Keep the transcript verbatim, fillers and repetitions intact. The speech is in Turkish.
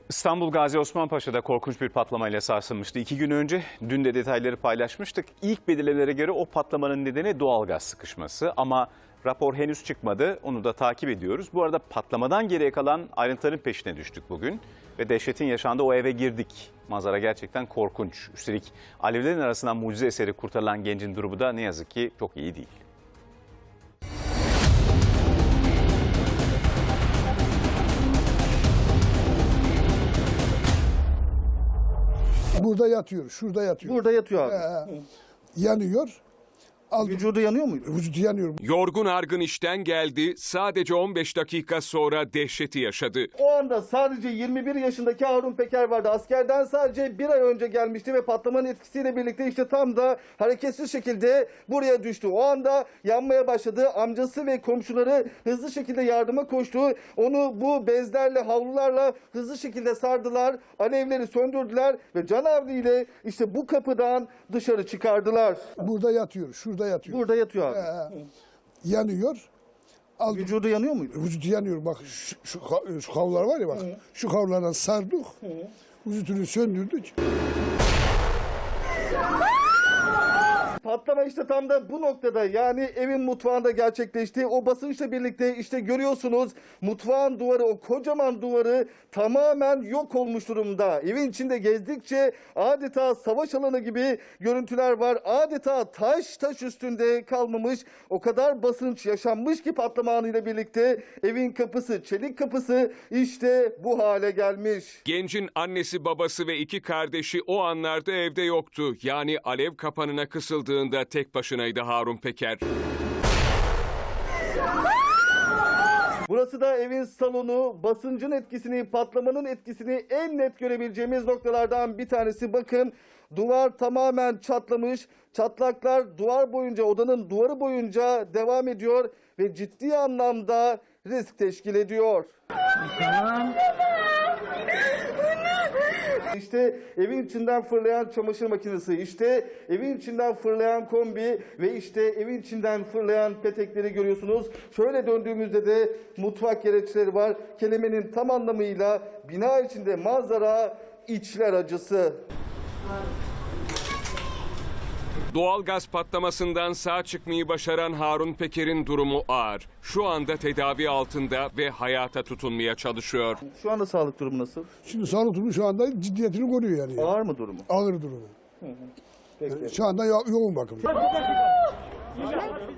İstanbul Gazi Osman Paşa'da korkunç bir patlamayla sarsılmıştı. İki gün önce, dün de detayları paylaşmıştık. İlk belirlemelere göre o patlamanın nedeni doğalgaz sıkışması ama rapor henüz çıkmadı. Onu da takip ediyoruz. Bu arada patlamadan geriye kalan ayrıntıların peşine düştük bugün ve dehşetin yaşandığı o eve girdik. Manzara gerçekten korkunç. Üstelik alevlerin arasından mucize eseri kurtarılan gencin durumu da ne yazık ki çok iyi değil. Burada yatıyor, şurada yatıyor. Burada yatıyor abi. Ee, yanıyor. Aldım. Vücudu yanıyor muydu? Vücudu yanıyor. Yorgun argın işten geldi, sadece on beş dakika sonra dehşeti yaşadı. O anda sadece yirmi bir yaşındaki Harun Peker vardı. Askerden sadece bir ay önce gelmişti ve patlamanın etkisiyle birlikte işte tam da hareketsiz şekilde buraya düştü. O anda yanmaya başladı. Amcası ve komşuları hızlı şekilde yardıma koştu. Onu bu bezlerle, havlularla hızlı şekilde sardılar. Alevleri söndürdüler ve canavliyle işte bu kapıdan dışarı çıkardılar. Burada yatıyor, şurada yatıyor. Burada yatıyor abi. Ee, yanıyor. Aldım. Vücudu yanıyor muydu? Vücudu yanıyor. Bak şu, şu, şu havlular var ya bak. Hı. Şu havlulardan sardık. Hı. Vücudunu söndürdük. Patlama işte tam da bu noktada, yani evin mutfağında gerçekleşti. O basınçla birlikte işte görüyorsunuz mutfağın duvarı, o kocaman duvarı tamamen yok olmuş durumda. Evin içinde gezdikçe adeta savaş alanı gibi görüntüler var. Adeta taş taş üstünde kalmamış. O kadar basınç yaşanmış ki patlama anıyla birlikte evin kapısı, çelik kapısı işte bu hale gelmiş. Gencin annesi, babası ve iki kardeşi o anlarda evde yoktu. Yani alev kapanına kısıldığında tek başınaydı Harun Peker. Burası da evin salonu. Basıncın etkisini, patlamanın etkisini en net görebileceğimiz noktalardan bir tanesi. Bakın, duvar tamamen çatlamış. Çatlaklar duvar boyunca, odanın duvarı boyunca devam ediyor ve ciddi anlamda risk teşkil ediyor. İşte evin içinden fırlayan çamaşır makinesi, işte evin içinden fırlayan kombi ve işte evin içinden fırlayan petekleri görüyorsunuz. Şöyle döndüğümüzde de mutfak gereçleri var. Kelimenin tam anlamıyla bina içinde manzara içler acısı. Doğalgaz patlamasından sağ çıkmayı başaran Harun Peker'in durumu ağır. Şu anda tedavi altında ve hayata tutunmaya çalışıyor. Şu anda sağlık durumu nasıl? Şimdi sağlık durumu şu anda ciddiyetini koruyor yani. Ağır mı durumu? Ağır durumu. Peki. Şu anda yo yoğun bakım.